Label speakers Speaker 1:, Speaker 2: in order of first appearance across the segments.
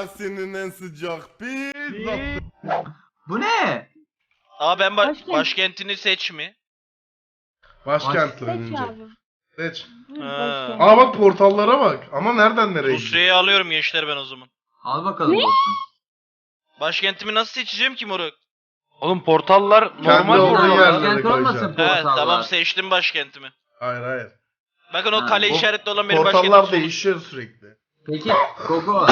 Speaker 1: Asya'nın en sıcak pizzası.
Speaker 2: Bu ne?
Speaker 3: Aa ben
Speaker 4: Başkent.
Speaker 3: başkentini seç mi?
Speaker 1: Başkentli
Speaker 4: Seç
Speaker 1: önce.
Speaker 4: abi.
Speaker 1: Seç.
Speaker 4: Buyur
Speaker 3: Ha.
Speaker 4: başkent.
Speaker 1: Aa bak portallara bak. Ama nereden nereye gidiyor?
Speaker 3: Rusya'yı alıyorum gençler ben o zaman.
Speaker 2: Al bakalım dostum.
Speaker 3: Başkentimi nasıl seçeceğim ki moruk?
Speaker 5: Oğlum portallar
Speaker 1: Kendi
Speaker 5: normal
Speaker 1: olduğu
Speaker 5: portallar.
Speaker 1: yerlere
Speaker 2: Başkent olmasın
Speaker 1: koyacaksın.
Speaker 3: He
Speaker 2: portallar.
Speaker 3: tamam seçtim başkentimi.
Speaker 1: Hayır.
Speaker 3: Bakın o
Speaker 2: Ha,
Speaker 3: kale
Speaker 2: bu
Speaker 3: işaretli olan benim başkentim.
Speaker 1: Portallar değişiyor sürekli.
Speaker 2: Peki Gogo.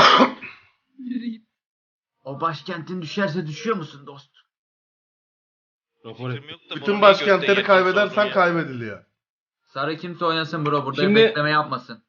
Speaker 2: O başkentin düşerse düşüyor musun dost?
Speaker 3: Fikrim yok da
Speaker 1: Bütün
Speaker 3: bunu
Speaker 1: başkentleri
Speaker 3: gökten
Speaker 1: kaybedersen
Speaker 3: yatırsa olur
Speaker 1: kaybediliyor.
Speaker 2: Sarı kimse oynasın bro, burada
Speaker 6: Şimdi-
Speaker 2: bekleme yapmasın.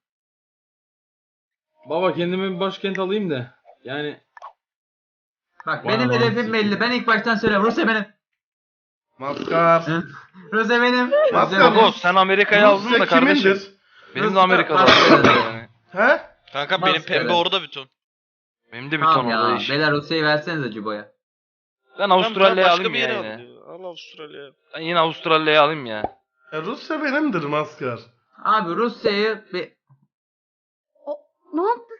Speaker 6: Baba kendime bir başkent alayım da. Yani
Speaker 2: Bak
Speaker 6: Vay
Speaker 2: benim
Speaker 6: vay,
Speaker 2: hedefim
Speaker 6: siktir.
Speaker 2: belli. Ben ilk baştan söylüyorum. Rusya benim.
Speaker 1: Maskar.
Speaker 2: Rusya benim.
Speaker 1: Maskar
Speaker 2: Rusya benim.
Speaker 5: Gogo sen Amerika'yı aldın
Speaker 1: Rusya
Speaker 5: da kardeşim.
Speaker 1: kimindir?
Speaker 5: Benim de
Speaker 2: Rusya-
Speaker 5: Amerika'da
Speaker 2: Rusya-
Speaker 5: yani.
Speaker 1: He?
Speaker 3: ya. Kanka benim
Speaker 2: Maskara.
Speaker 3: pembe orada bütün.
Speaker 5: Benim de bir
Speaker 2: Tamam
Speaker 5: ton orada
Speaker 2: ya.
Speaker 5: iş.
Speaker 2: Beyler Rusya'yı versenize Cubo'ya.
Speaker 5: Ben Avustralya'yı
Speaker 3: Başka
Speaker 5: alayım
Speaker 3: bir
Speaker 5: ya
Speaker 3: yere
Speaker 5: yine.
Speaker 3: al. Al Avustralya.
Speaker 5: Ben yine Avustralya'yı alayım ya.
Speaker 1: Rusya benimdir Maskar.
Speaker 2: Abi Rusya'yı bir...
Speaker 4: Ne yaptın?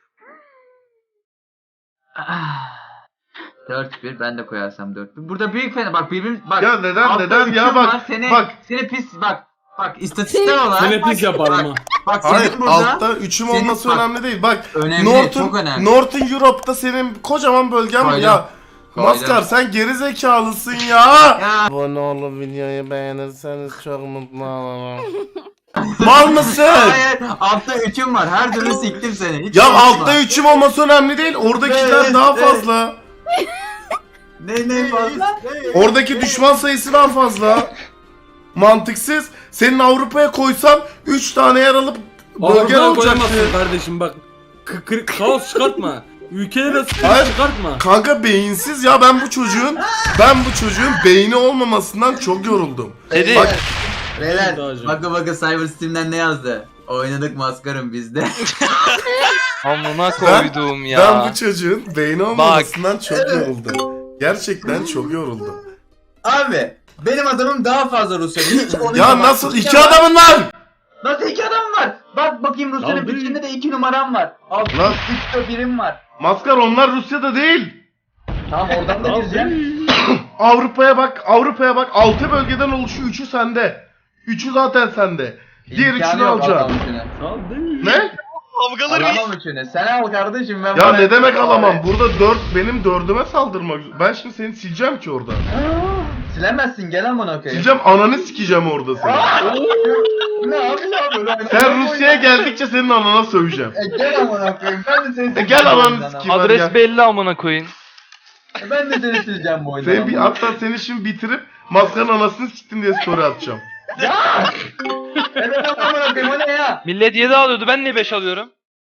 Speaker 2: 4-1 ben de koyarsam 4-1. Burada büyük fena bak birbirimiz bak.
Speaker 1: Ya neden
Speaker 2: altta
Speaker 1: neden ya
Speaker 2: üçüm
Speaker 1: bak.
Speaker 2: var, seni,
Speaker 1: Bak.
Speaker 2: Seni pis bak. Bak istatistiksel olarak.
Speaker 6: seni pis yaparım ha.
Speaker 2: Bak
Speaker 1: Hayır
Speaker 2: senin burada.
Speaker 1: altta üçüm
Speaker 2: senin-
Speaker 1: olması
Speaker 2: bak,
Speaker 1: önemli değil. Bak
Speaker 2: önemli, çok önemli.
Speaker 1: Northern Europe'da senin kocaman bölgen
Speaker 2: Koydum.
Speaker 1: ya.
Speaker 2: Koydum.
Speaker 1: Maskar sen geri zekalısın ya.
Speaker 2: Ya
Speaker 1: Abone olup videoyu beğenirseniz çok mutlu olurum. Mal mısın?
Speaker 2: hayır altta üçüm var. Her türlü siktim seni. Hiç
Speaker 1: Ya
Speaker 2: konuşma.
Speaker 1: altta üçüm olması önemli değil. Oradakiler
Speaker 2: Evet,
Speaker 1: daha
Speaker 2: evet.
Speaker 1: fazla.
Speaker 2: Ne fazla?
Speaker 1: Oradaki düşman sayısı daha fazla. Mantıksız. Senin Avrupa'ya koysam 3 tane yer alıp bölgen
Speaker 6: Avrupa'ya
Speaker 1: olacaktı.
Speaker 6: koyamazsın kardeşim bak. Kaos çıkartma. Ülkeleri de
Speaker 1: Hayır.
Speaker 6: sıkıntı çıkartma.
Speaker 1: Kanka beyinsiz ya ben bu çocuğun beyni olmamasından çok yoruldum.
Speaker 5: Dedi.
Speaker 1: Bak
Speaker 2: Beyler
Speaker 6: Dağcı.
Speaker 2: bakın Cyber Steam'den ne yazdı? Oynadık maskarım bizde.
Speaker 5: Amına koydum ya.
Speaker 1: ben bu çocuğun beyni olmamasından çok yoruldum. Gerçekten çok yoruldum.
Speaker 2: Abi benim adamım daha fazla Rusya. Hiç onu
Speaker 1: Ya nasıl iki adamın var?
Speaker 2: Nasıl iki adam var? Bak bakayım Rusya'nın
Speaker 6: Lan
Speaker 2: bütçesinde de 2 numaram var. Alt
Speaker 1: Lan.
Speaker 2: üstte birim var.
Speaker 1: Maskar onlar Rusya'da değil.
Speaker 2: Tamam oradan da gireceğim.
Speaker 1: Avrupa'ya bak 6 bölgeden oluşuyor 3'ü sende. 3'ü zaten sende. Diğer
Speaker 2: İmkanı
Speaker 1: üçünü
Speaker 2: yok
Speaker 1: alacaksın.
Speaker 2: alamam üçünü.
Speaker 6: Saldırı.
Speaker 1: Ne?
Speaker 3: Kavgaları bir.
Speaker 2: Alamam üçünü. Sen al kardeşim ben
Speaker 1: Ya
Speaker 2: bana-
Speaker 1: ne demek alamam? Burada 4 benim 4'üme saldırmak. Ben şimdi seni sileceğim ki orada.
Speaker 2: Silemezsin gel amına koyayım.
Speaker 1: Sileceğim ananı sikeceğim orada seni.
Speaker 2: Ne abi ya böyle?
Speaker 1: Sen Rusya'ya geldikçe senin anana söveceğim.
Speaker 2: Gel amına koyayım. Ben de seni
Speaker 1: Gel ananı
Speaker 2: sileceğim.
Speaker 1: sikeyim. Hadi
Speaker 5: Adres
Speaker 1: gel.
Speaker 5: belli amına koyun.
Speaker 2: Ben de seni sileceğim bu oyunda.
Speaker 1: Hatta seni şimdi bitirip Maskar'ın anasını siktim diye story atacağım.
Speaker 2: Ya! Evet amına koyayım o ne ya?
Speaker 5: Millet 7 alıyordu ben niye 5 alıyorum?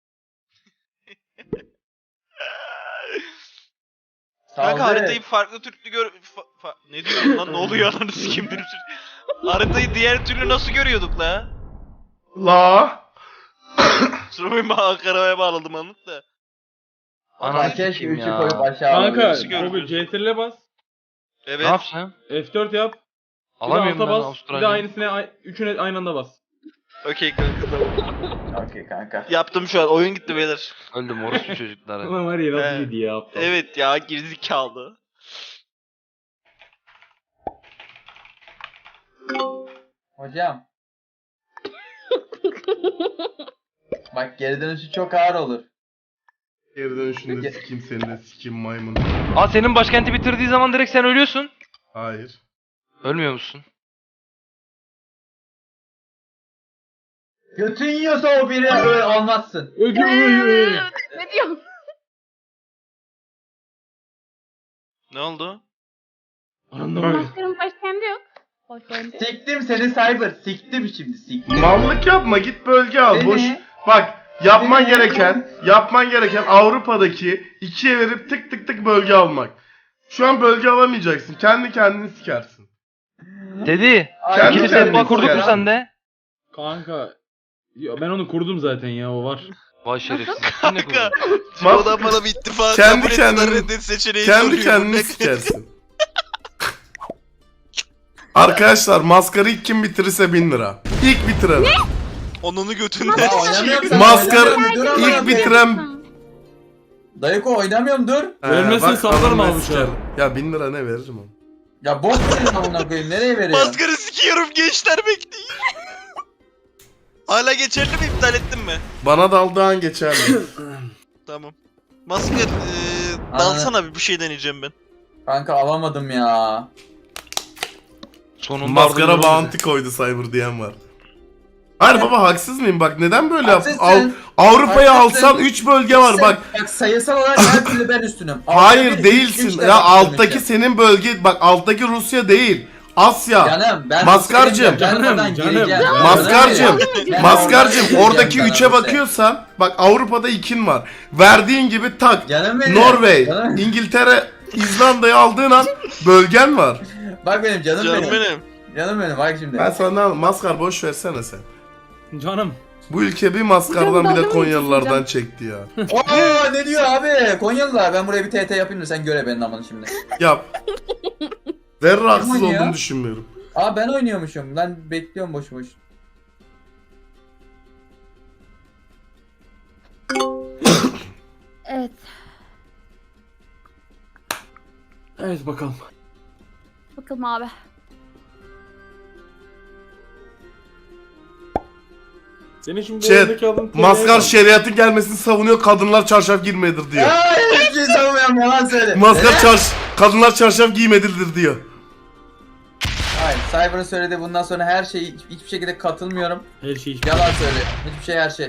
Speaker 3: Kanka
Speaker 2: Saldırı.
Speaker 3: haritayı farklı türlü ne diyorum lan ne oluyor ananı sikeyim bir haritayı diğer türlü nasıl görüyorduk la?
Speaker 1: La.
Speaker 3: Sırayım Ankara'ya bağladım anlık da.
Speaker 5: Ananı
Speaker 2: Ben keşke
Speaker 5: sikeyim
Speaker 2: 3'ü
Speaker 5: ya.
Speaker 2: koyup aşağı
Speaker 6: Kanka
Speaker 3: Nasıl
Speaker 6: Google
Speaker 3: görüyorsun?
Speaker 6: CTRL'e bas.
Speaker 3: Evet.
Speaker 5: Ne yapsam?
Speaker 6: F4 yap. Bir de
Speaker 5: Alamıyorum
Speaker 6: alta
Speaker 5: ben
Speaker 6: bas. Bir de
Speaker 5: Avustralya'yı.
Speaker 6: aynısına üçüne aynı anda bas.
Speaker 3: Okey kanka tamam.
Speaker 2: Okey kanka.
Speaker 3: Yaptım şu an oyun gitti beyler.
Speaker 5: Öldüm orospu çocukları.
Speaker 6: Ulan var ya
Speaker 3: He.
Speaker 6: nasıl yedi ya aptal.
Speaker 3: Evet ya gerizekalı.
Speaker 2: Hocam. Bak geri dönüşü çok ağır olur.
Speaker 1: Geri dönüşünde sikeyim seni de sikeyim maymun.
Speaker 5: Aa senin başkenti bitirdiği zaman direkt sen ölüyorsun.
Speaker 1: Hayır.
Speaker 5: Ölmüyor musun?
Speaker 2: Götün yiyorsa o biri öyle olmazsın.
Speaker 4: Ne diyorsun?
Speaker 3: Ne oldu?
Speaker 6: Anlamadım.
Speaker 4: Maskarın başkenti yok. Başkenti.
Speaker 2: Siktim seni Cyber. Siktim şimdi siktim.
Speaker 1: Mallık yapma git bölge al.
Speaker 2: Seni-
Speaker 1: Boş. Bak yapman
Speaker 2: Seni-
Speaker 1: gereken Avrupa'daki 2'ye verip tık tık tık bölge almak. Şu an bölge alamayacaksın. Kendi kendini sikersin.
Speaker 5: Dedi.
Speaker 2: Ay,
Speaker 5: İkili
Speaker 1: kendini
Speaker 5: setma kurduk mu
Speaker 1: siker.
Speaker 5: sende?
Speaker 6: Kanka. Ya ben onu kurdum zaten ya o var.
Speaker 5: Vay şerefsiz. Sen ne
Speaker 3: Kanka.
Speaker 5: kurdun?
Speaker 3: Çoğudan bana bir ittifak
Speaker 1: Kendi
Speaker 3: kabul ettiler
Speaker 1: kendini-
Speaker 3: reddet seçeneği
Speaker 1: Kendi
Speaker 3: soruyor.
Speaker 1: kendini
Speaker 3: Ne-
Speaker 1: sikersin. Arkadaşlar maskarı ilk kim bitirirse 1000 lira. İlk bitiren.
Speaker 3: Onunu
Speaker 2: Ya
Speaker 3: götünden
Speaker 2: oynamıyorum sana,
Speaker 1: Maskar
Speaker 2: oynamıyorum. Dur amına
Speaker 1: ilk
Speaker 2: koyayım.
Speaker 1: bitiren
Speaker 2: Dayıko oynamıyorum dur.
Speaker 6: Vermezsen
Speaker 1: bak,
Speaker 6: sallarım
Speaker 1: adam
Speaker 6: abi
Speaker 1: mesaj
Speaker 6: şu an.
Speaker 1: geldi. Ya 1000 lira ne veririm onu?
Speaker 2: Ya boş verin amına koyayım nereye veriyorsun?
Speaker 3: Maskara sikiyorum gençler bekleyin. Hala geçerli mi iptal ettin mi?
Speaker 1: Bana daldığın geçerli.
Speaker 3: Tamam. Maskar dalsana bir şey deneyeceğim ben.
Speaker 2: Kanka alamadım ya.
Speaker 5: Sonunda
Speaker 1: Maskara
Speaker 5: ardılıyor
Speaker 1: bounty koydu Cyber diyen var. Hayır baba haksız mıyım? Bak neden böyle yaptın?
Speaker 2: Haksızsın.
Speaker 1: Avrupa'yı
Speaker 2: Haksızsın.
Speaker 1: alsan 3 bölge var bak.
Speaker 2: Bak sayısal olarak her türlü ben üstünüm.
Speaker 1: Hayır
Speaker 2: Altta bir,
Speaker 1: değilsin.
Speaker 2: üç de
Speaker 1: Ya
Speaker 2: ben
Speaker 1: alttaki
Speaker 2: üstünüm.
Speaker 1: senin bölge bak alttaki Rusya değil. Asya.
Speaker 2: Canım ben
Speaker 1: Maskarcığım.
Speaker 2: Ben oradan
Speaker 6: Canım,
Speaker 2: gireceğim.
Speaker 6: canım.
Speaker 1: Maskarcığım.
Speaker 2: Ben
Speaker 1: Maskarcığım
Speaker 2: oradan
Speaker 1: oradaki
Speaker 2: gireceğim
Speaker 1: 3'e
Speaker 2: sana
Speaker 1: bakıyorsan bak Avrupa'da 2'in var. Verdiğin gibi tak.
Speaker 2: Canım benim.
Speaker 1: Norveç,
Speaker 2: Canım.
Speaker 1: İngiltere, İzlanda'yı aldığın an bölgen var.
Speaker 2: Bak benim canım,
Speaker 3: Canım
Speaker 2: benim.
Speaker 3: benim.
Speaker 2: Canım benim bak şimdi.
Speaker 1: Ben sana ne alayım? Maskar boş versene sen.
Speaker 6: Canım.
Speaker 1: Bu ülke bir maskardan
Speaker 4: Hocam,
Speaker 1: bir de
Speaker 4: dalga mı
Speaker 1: Konyalılardan
Speaker 4: geçiyorsun
Speaker 1: çekti ya.
Speaker 2: Oo ne diyor abi? Konyalılar ben buraya bir TT yapayım da sen göre benim amını şimdi.
Speaker 1: Yap. Zerre haksız
Speaker 2: oynuyor?
Speaker 1: olduğunu düşünmüyorum.
Speaker 2: Aa ben oynuyormuşum. Ben bekliyorum boş boş.
Speaker 4: Evet.
Speaker 6: Evet bakalım.
Speaker 4: Bakalım abi.
Speaker 6: Senin şimdi bu
Speaker 1: Chat,
Speaker 6: oyundaki aldığın
Speaker 1: Maskar şeriatın gelmesini savunuyor, kadınlar çarşaf girmelidir diyor.
Speaker 2: Ay hiçbir şey savunmuyorum yalan söyle.
Speaker 1: Maskar kadınlar çarşaf giymelidir diyor.
Speaker 2: Hayır Cyber'ın söylediği bundan sonra her şeyi hiçbir şekilde katılmıyorum.
Speaker 6: Her şey
Speaker 2: Yalan söylüyor. Hiçbir şey her şey.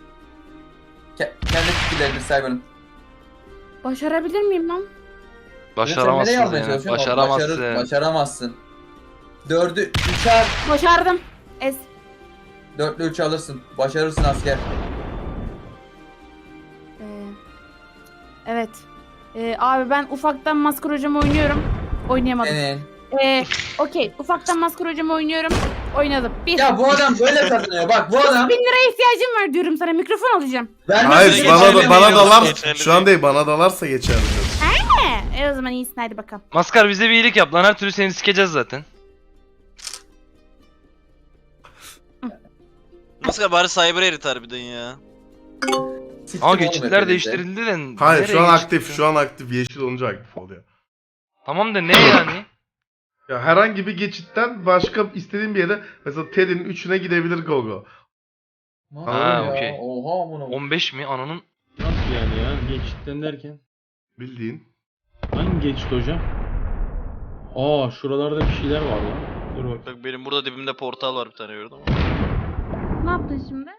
Speaker 2: Kendi fikirleridir Cyber'ın.
Speaker 4: Başarabilir miyim lan?
Speaker 5: Başaramazsın
Speaker 2: Sen nereye almaya
Speaker 5: yani.
Speaker 2: çalışıyorsun?
Speaker 5: Başaramazsın.
Speaker 2: Başaramazsın. 4'ü 3'er.
Speaker 4: Başardım. Es.
Speaker 2: 4'lü 3 alırsın. Başarırsın asker.
Speaker 4: Ee, evet. Abi ben ufaktan Maskar hocamı oynuyorum. Oynayamadım.
Speaker 2: Senin.
Speaker 4: Okey. Ufaktan Maskar hocamı oynuyorum. Oynadım. Bir.
Speaker 2: Ya bu adam böyle kazanıyor. Bak bu adam.
Speaker 4: 1000 liraya ihtiyacım var diyorum sana. Mikrofon alacağım.
Speaker 2: Vermez
Speaker 1: Hayır
Speaker 2: mi?
Speaker 1: bana
Speaker 3: geçerli
Speaker 1: bana
Speaker 3: değil,
Speaker 1: dalar.
Speaker 3: geçerli
Speaker 1: Şu an değil bana dalarsa geçerli.
Speaker 4: O zaman iyisin hadi bakalım.
Speaker 5: Maskar bize bir iyilik yap lan, her türlü seni sikeceğiz zaten.
Speaker 3: Maskar bari cyber erit harbiden ya.
Speaker 2: Siktim
Speaker 5: Ama
Speaker 2: oğlum
Speaker 5: geçitler
Speaker 2: hepinizi.
Speaker 5: değiştirildi de.
Speaker 1: Hayır
Speaker 5: nereye
Speaker 1: şu an
Speaker 5: geçti?
Speaker 1: aktif, şu an aktif. Yeşil olunca aktif oluyor.
Speaker 5: Tamam da ne yani?
Speaker 1: Ya herhangi bir geçitten başka istediğin bir yere mesela Ted'in 3'üne gidebilir Gogo.
Speaker 2: Nasıl
Speaker 5: Ha,
Speaker 2: ya?
Speaker 5: okey.
Speaker 2: Oha bunu.
Speaker 5: 15 mi? Ananın.
Speaker 6: Nasıl yani ya? Geçitten derken.
Speaker 1: Bildiğin.
Speaker 6: Hangi geçit hocam? Aa şuralarda bir şeyler var lan. Dur bak.
Speaker 3: Bak benim burada dibimde portal var bir tane gördüm ama.
Speaker 4: Ne yaptın şimdi?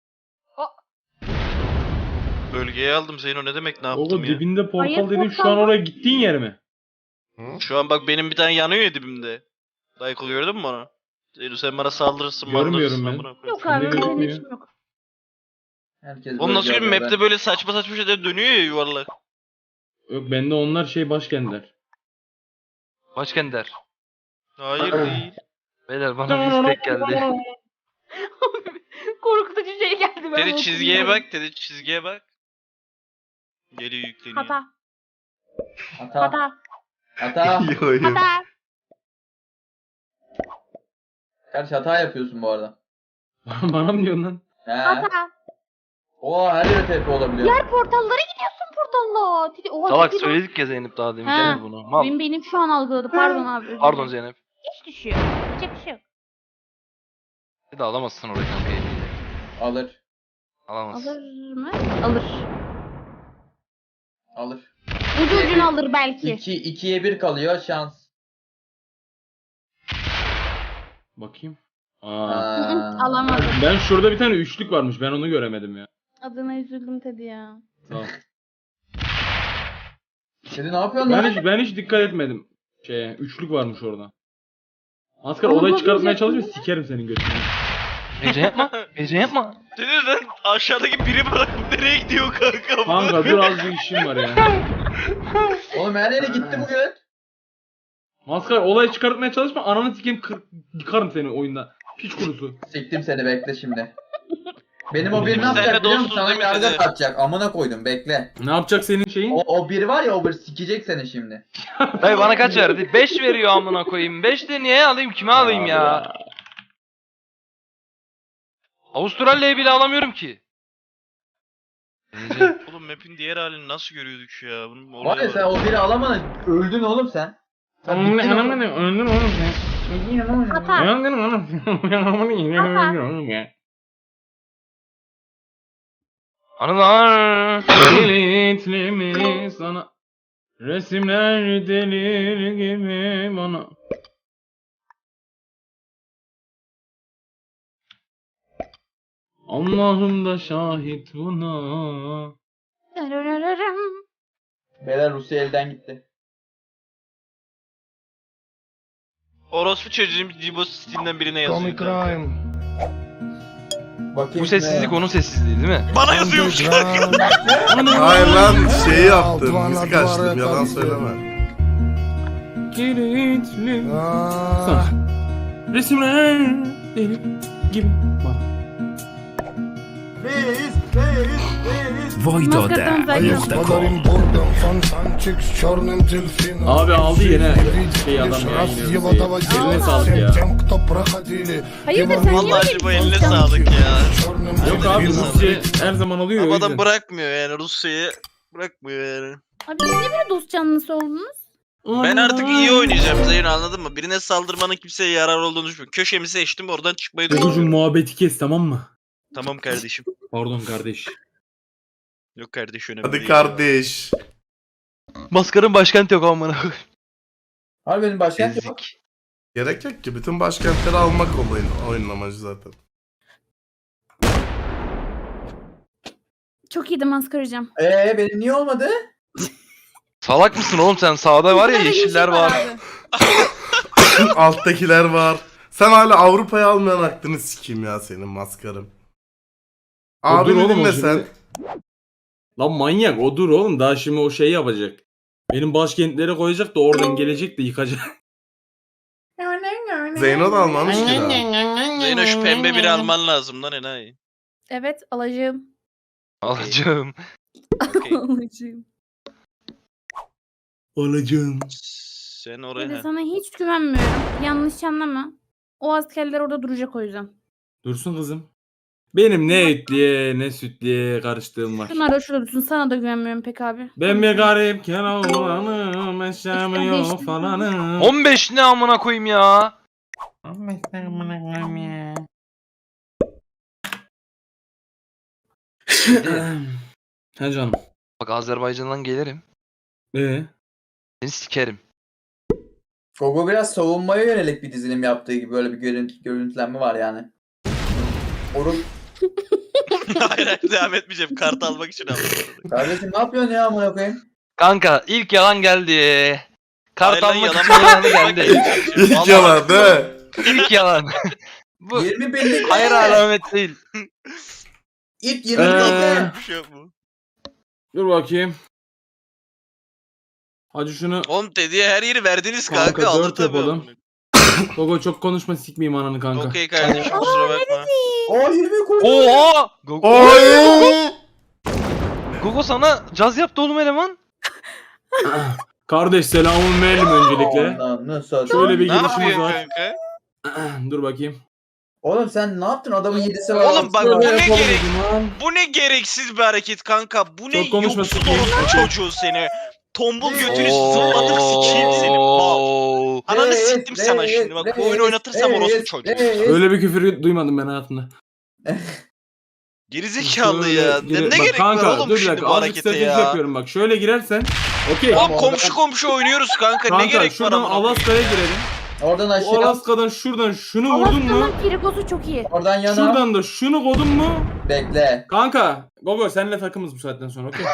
Speaker 3: Bölgeye aldım Zeyno ne demek ne yaptım
Speaker 6: Oğlum
Speaker 3: ya?
Speaker 6: dibinde portal
Speaker 4: Hayır,
Speaker 6: dedin şu
Speaker 4: portal
Speaker 6: an
Speaker 4: var.
Speaker 6: oraya gittiğin yer mi?
Speaker 3: Şu an bak benim bir tane yanıyor ya dibimde. Dayıkıl gördün mü onu? Zeyno sen bana saldırırsın
Speaker 6: Görmüyorum
Speaker 3: maldırırsın,
Speaker 6: ben.
Speaker 3: amına koyayım.
Speaker 4: Yok
Speaker 6: Sende
Speaker 4: abi benim
Speaker 6: gözükmüyor.
Speaker 4: işim yok.
Speaker 2: Herkes
Speaker 3: Oğlum nasıl
Speaker 2: böyle
Speaker 3: bir
Speaker 2: yapıyor,
Speaker 3: map'te böyle saçma saçma şeyler dönüyor ya yuvarlak.
Speaker 6: Yok bende onlar şey başkentler.
Speaker 5: Başkenter.
Speaker 3: Hayır değil.
Speaker 5: Beyler bana bir istek geldi.
Speaker 4: Korkutucu şey geldi. Ben
Speaker 3: Dedi
Speaker 4: bunu
Speaker 3: çizgiye
Speaker 4: bilmiyorum.
Speaker 3: bak, dedi çizgiye bak. Geliyor yükleniyor.
Speaker 4: Hata.
Speaker 2: Hata.
Speaker 4: Hata.
Speaker 2: Hata.
Speaker 1: Yo, yo.
Speaker 4: Hata.
Speaker 2: Kardeş hata yapıyorsun bu arada.
Speaker 6: Bana mı diyorsun lan?
Speaker 2: He.
Speaker 4: Hata.
Speaker 2: Oha her yere TP olabiliyor.
Speaker 4: Diğer portallara gidiyorsun portalla. Oha,
Speaker 5: Salak
Speaker 4: tipi lan.
Speaker 5: söyledik ya Zeynep daha demin
Speaker 4: Ha.
Speaker 5: Zeynep bunu. Mal.
Speaker 4: Benim şu an algıladı. Pardon abi. özür
Speaker 5: Pardon
Speaker 4: dilerim.
Speaker 5: Zeynep.
Speaker 4: Hiç düşüyor. Yapacak bir şey yok.
Speaker 5: Bir de alamazsın orayı kanka eliyle.
Speaker 2: Alır.
Speaker 5: Alamazsın.
Speaker 4: Alır mı? Alır.
Speaker 2: Alır.
Speaker 4: Ucu ucuna alır belki.
Speaker 2: 2'ye 1 kalıyor şans.
Speaker 6: Bakayım.
Speaker 4: Hı
Speaker 6: Aa.
Speaker 4: hı, Alamadım.
Speaker 6: Ben şurada bir tane üçlük varmış. Ben onu göremedim ya.
Speaker 4: Adına üzüldüm Teddy ya.
Speaker 6: Tamam.
Speaker 2: Şimdi ne yapıyorsun lan?
Speaker 6: Ben hiç dikkat etmedim. Üçlük varmış orada. Maskar
Speaker 4: Onu
Speaker 6: olay çıkartmaya
Speaker 4: bozmayacaksın
Speaker 6: çalışma sikerim senin götünü.
Speaker 5: Heyecan yapma. Heyecan yapma.
Speaker 3: Dedi lan aşağıdaki biri bırakıp nereye gidiyor kanka bu?
Speaker 6: Kanka dur az bir işim var ya.
Speaker 2: Oğlum her yere gitti bu göt.
Speaker 6: Maskar olay çıkartmaya çalışma ananı sikeyim yıkarım seni oyunda. Piç kurusu.
Speaker 2: Siktim seni bekle şimdi. Benim o bir ne
Speaker 3: Biz
Speaker 2: yapacak
Speaker 3: seninle
Speaker 2: biliyor musun?
Speaker 3: dostuz
Speaker 2: Sana
Speaker 3: değil mi
Speaker 2: yargı
Speaker 3: Teddy?
Speaker 2: atacak. Amına koydum bekle.
Speaker 6: Ne yapacak senin şeyin?
Speaker 2: O bir var ya o bir sikecek seni şimdi.
Speaker 5: Dayı bana kaç verdi? 5 veriyor amına koyayım. 5 de niye alayım? Kime alayım ya? Avustralya'yı bile alamıyorum ki.
Speaker 3: Oğlum map'in diğer halini nasıl görüyorduk ya? Bunun
Speaker 2: Var
Speaker 3: olayı
Speaker 2: ya sen o biri alamadın. Öldün oğlum sen. Sen
Speaker 6: Tamam
Speaker 2: bittin oğlum.
Speaker 6: öldün oğlum sen.
Speaker 4: Hata.
Speaker 6: Öldün oğlum.
Speaker 5: Anılar.
Speaker 6: Kilitli mi sana? Resimler delir gibi bana. Allah'ım da şahit buna.
Speaker 2: Beyler Rusya elden gitti.
Speaker 3: Orospu çocuğum Cibo Steam'den birine yazıyor.
Speaker 2: Bakayım
Speaker 5: Bu sessizlik onun sessizliği değil mi?
Speaker 3: Bana yazıyormuş kanka.
Speaker 1: Hayır lan şeyi yaptım. Müzik açtım. Yalan söyleme.
Speaker 6: Kilitli sana. Resimler delir gibi bana.
Speaker 4: Maskattan zaten.
Speaker 6: Abi aldı yine şey adam ya yine. Eline sağlık ya.
Speaker 4: Hayırdır sen niye
Speaker 3: Vallahi
Speaker 4: öyle
Speaker 3: Cibo
Speaker 4: bir
Speaker 3: eline
Speaker 4: konuşuyorsun?
Speaker 3: sağlık ya.
Speaker 6: Yok abi Rusya her zaman oluyor o
Speaker 3: Ama adam
Speaker 6: yüzden.
Speaker 3: bırakmıyor yani Rusya'yı. Bırakmıyor yani.
Speaker 4: Abi siz niye böyle dost canlısı oldunuz?
Speaker 3: Ben artık iyi oynayacağım Zeyno, anladın mı? Birine saldırmanın kimseye yarar olduğunu düşünmüyorum. Köşemi seçtim, oradan çıkmayı
Speaker 6: Gogocuğum
Speaker 3: düşünüyorum.
Speaker 6: muhabbeti kes tamam mı?
Speaker 3: Tamam kardeşim.
Speaker 6: Pardon kardeş.
Speaker 3: Yok kardeş, önemli
Speaker 1: Hadi
Speaker 3: değil.
Speaker 1: kardeş.
Speaker 5: Maskarın başkenti yok amına.
Speaker 2: Abi benim başkent yok.
Speaker 5: Ezik.
Speaker 1: Gerek yok ki. Bütün başkentleri almak oyunun amacı zaten.
Speaker 4: Çok iyiydi maskaracığım.
Speaker 2: Benim niye olmadı?
Speaker 5: Salak mısın oğlum sen? Sağda var ya
Speaker 4: Burada
Speaker 5: yeşiller var.
Speaker 4: abi.
Speaker 1: Alttakiler var. Sen hala Avrupa'ya almayan aklını sikeyim ya senin maskarım.
Speaker 6: O dur
Speaker 1: Abimi
Speaker 6: oğlum o
Speaker 1: dinle
Speaker 6: şimdi.
Speaker 1: sen.
Speaker 6: Lan manyak o dur oğlum daha şimdi o şey yapacak. Benim başkentlere koyacak da oradan gelecek de yıkacak.
Speaker 1: Zeyno da almamış ki daha.
Speaker 3: Zeyno şu pembe biri alman lazım lan enayi.
Speaker 4: Evet alacağım.
Speaker 5: Alacağım.
Speaker 3: Okey.
Speaker 4: Alacağım.
Speaker 6: Alacağım.
Speaker 3: Sen
Speaker 4: Bir
Speaker 3: oraya
Speaker 4: de
Speaker 3: ha.
Speaker 4: sana hiç güvenmiyorum. Yanlış anlama. O askerler orada duracak o yüzden.
Speaker 6: Dursun kızım. Benim ne etliye ne sütliye karıştığım var.
Speaker 4: Şunlar da şurada dursun. Sana da güvenmiyorum pek abi.
Speaker 6: Ben bir garip kelavranım, eşyam
Speaker 4: İşte
Speaker 6: yok
Speaker 4: geçtim.
Speaker 6: falanım.
Speaker 5: 15 ne amına koyayım ya?
Speaker 6: He canım.
Speaker 5: Bak Azerbaycan'dan gelirim. Seni sikerim.
Speaker 2: Gogo biraz savunmaya yönelik bir dizilim yaptığı gibi böyle bir görüntülenme var yani. Oruç.
Speaker 3: Hayır hayır, devam etmeyeceğim. Kart almak için aldım.
Speaker 2: Kardeşim ne yapıyorsun ya amına koyayım?
Speaker 5: Kanka ilk yalan geldi. Kart
Speaker 3: Hayır lan,
Speaker 5: almak
Speaker 3: yalan
Speaker 5: için yalanı geldi.
Speaker 1: İlk yalan değil mi?
Speaker 5: İlk yalan. Bu
Speaker 2: 20 binlik
Speaker 5: hayır alamet değil.
Speaker 2: İlk 20 binlik
Speaker 3: Bir şey yok mu?
Speaker 6: Dur bakayım. Hadi şunu.
Speaker 3: Oğlum dediye her yeri verdiniz
Speaker 6: Kanka,
Speaker 3: kanka. Alır
Speaker 6: dört
Speaker 3: tabii.
Speaker 6: yapalım. Gogo çok konuşma sikmeyeyim ananı kanka.
Speaker 3: Okey kardeşim, kusura bakma.
Speaker 2: O 20 koy.
Speaker 5: Oha! Gogo,
Speaker 1: Oy!
Speaker 5: Gogo sana caz yaptı oğlum eleman.
Speaker 6: Kardeş selamun aleyküm öncelikle.
Speaker 2: Ananı satayım.
Speaker 6: Şöyle bir
Speaker 3: Ne
Speaker 6: girişimiz
Speaker 3: yapıyorsun
Speaker 6: var.
Speaker 3: kanka?
Speaker 6: Dur bakayım.
Speaker 2: Oğlum sen ne yaptın? Adamın 7'si var.
Speaker 3: Oğlum bak,
Speaker 6: Şöyle
Speaker 3: bu ne
Speaker 6: yapalım
Speaker 3: gerek?
Speaker 6: o zaman.
Speaker 3: Bu ne gereksiz bir hareket kanka. Bu ne
Speaker 6: Çok konuşma,
Speaker 3: yoksul
Speaker 6: sikeyim.
Speaker 3: orospu çocuğu seni. Tombul götünü zıplatıp sikeyim seni. Bak.
Speaker 5: Oo.
Speaker 3: Ananı
Speaker 2: Reis,
Speaker 3: siktim sana şimdi. Bak bu oyunu oynatırsam orospu çocuğu.
Speaker 6: Öyle bir küfür duymadım ben hayatımda.
Speaker 3: Gerizekalı ya.
Speaker 6: Şöyle
Speaker 3: Ne
Speaker 6: bak
Speaker 3: gerek
Speaker 6: kanka,
Speaker 3: var oğlum
Speaker 6: dur bir
Speaker 3: şimdi
Speaker 6: dakika,
Speaker 3: bu
Speaker 6: azıcık
Speaker 3: harekete
Speaker 6: strateji
Speaker 3: ya?
Speaker 6: yapıyorum bak. Şöyle girersen. Okey.
Speaker 3: Oğlum komşu oynuyoruz kanka. Ne
Speaker 6: Kanka
Speaker 3: gerek var
Speaker 6: şuradan
Speaker 3: amına koyayım
Speaker 6: Alaska'ya
Speaker 3: ya?
Speaker 6: girelim.
Speaker 2: Oradan
Speaker 6: O
Speaker 2: aşağı.
Speaker 6: Alaska'dan şuradan şunu vurdun mu?
Speaker 4: Alaska'nın pirikosu çok iyi.
Speaker 2: Oradan yana.
Speaker 6: Şuradan da şunu kodun mu?
Speaker 2: Bekle.
Speaker 6: Kanka. Gogo seninle takımız bu saatten sonra okey.